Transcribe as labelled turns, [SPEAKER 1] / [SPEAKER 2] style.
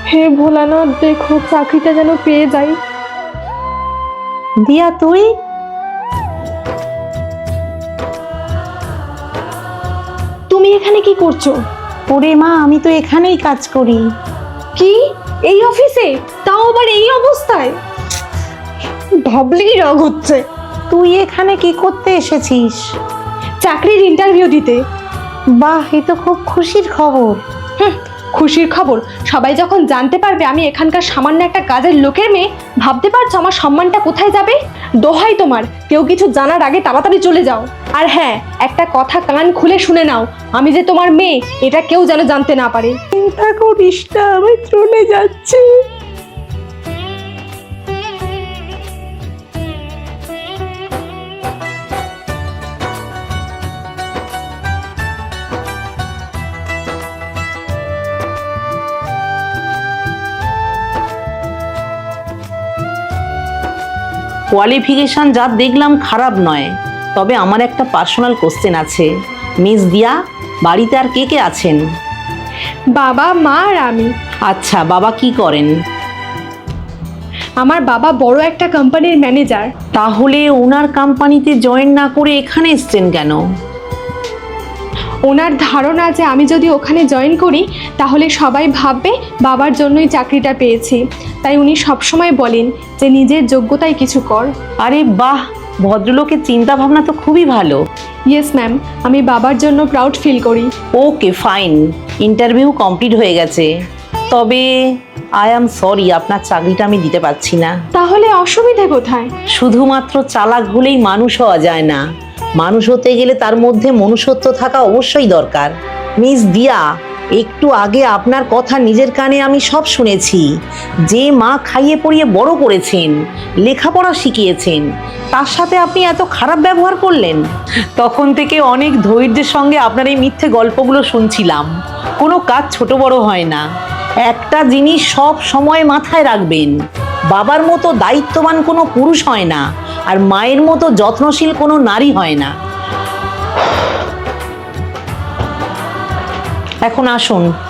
[SPEAKER 1] হে ভোলানাথ, দেখো চাকরিটা যেন পেয়ে যাই।
[SPEAKER 2] দিয়া তুই?
[SPEAKER 1] তুমি এখানে কি করছো?
[SPEAKER 2] ওরে মা, আমি তো এখানেই কাজ করি।
[SPEAKER 1] কি, এই অফিসে, তাও আবার এই অবস্থায়? ভাবলেই রাগ হচ্ছে।
[SPEAKER 2] তুই এখানে কি করতে এসেছিস?
[SPEAKER 1] চাকরির ইন্টারভিউ দিতে।
[SPEAKER 2] বাহ, এ তো খুব খুশির খবর।
[SPEAKER 1] খুশির খবর? সবাই যখন জানতে পারবে আমি এখানকার সামান্য একটা কাজের লোকের মেয়ে, ভাবতে পারছো আমার সম্মানটা কোথায় যাবে? দোহাই তোমার, কেউ কিছু জানার আগে তাড়াতাড়ি চলে যাও। আর হ্যাঁ, একটা কথা কান খুলে শুনে নাও, আমি যে তোমার মেয়ে এটা কেউ যেন জানতে না পারে।
[SPEAKER 2] চিন্তা করিস না, আমি চলে যাচ্ছি। কোয়ালিফিকেশন যা দেখলাম খারাপ নয়, তবে আমার একটা পার্সোনাল কোশ্চেন আছে। মিস দিয়া, বাড়িতে আর কে কে আছেন?
[SPEAKER 1] বাবা, মা আর আমি।
[SPEAKER 2] আচ্ছা, বাবা কি করেন?
[SPEAKER 1] আমার বাবা বড় একটা কোম্পানির ম্যানেজার।
[SPEAKER 2] তাহলে ওনার কোম্পানিতে জয়েন না করে এখানে এসছেন কেন?
[SPEAKER 1] ওনার ধারণা যে আমি যদি ওখানে জয়েন করি তাহলে সবাই ভাববে বাবার জন্যই চাকরিটা পেয়েছি, তাই উনি সবসময় বলেন যে নিজের যোগ্যতায় কিছু কর।
[SPEAKER 2] আরে বাহ, ভদ্রলোকের চিন্তা ভাবনা তো খুবই ভালো।
[SPEAKER 1] ইয়েস ম্যাম, আমি বাবার জন্য প্রাউড ফিল করি।
[SPEAKER 2] ওকে ফাইন, ইন্টারভিউ কমপ্লিট হয়ে গেছে, তবে আই অ্যাম সরি, আপনার চাকরিটা আমি দিতে পারছি না।
[SPEAKER 1] তাহলে অসুবিধে কোথায়?
[SPEAKER 2] শুধুমাত্র চালাক হলেই মানুষ হওয়া যায় না, মানুষ হতে গেলে তার মধ্যে মনুষ্যত্ব থাকা অবশ্যই দরকার। মিস দিয়া, একটু আগে আপনার কথা নিজের কানে আমি সব শুনেছি। যে মা খাইয়ে পড়িয়ে বড় করেছেন, লেখাপড়া শিখিয়েছেন, তার সাথে আপনি এত খারাপ ব্যবহার করলেন। তখন থেকে অনেক ধৈর্যের সঙ্গে আপনার এই মিথ্যে গল্পগুলো শুনছিলাম। কোনো কাজ ছোট বড় হয় না। একটা জিনিস সব সময় মাথায় রাখবেন, বাবার মতো দায়িত্ববান কোনো পুরুষ হয় না, আর মায়ের মতো যত্নশীল কোনো নারী হয় না। এখন আসুন।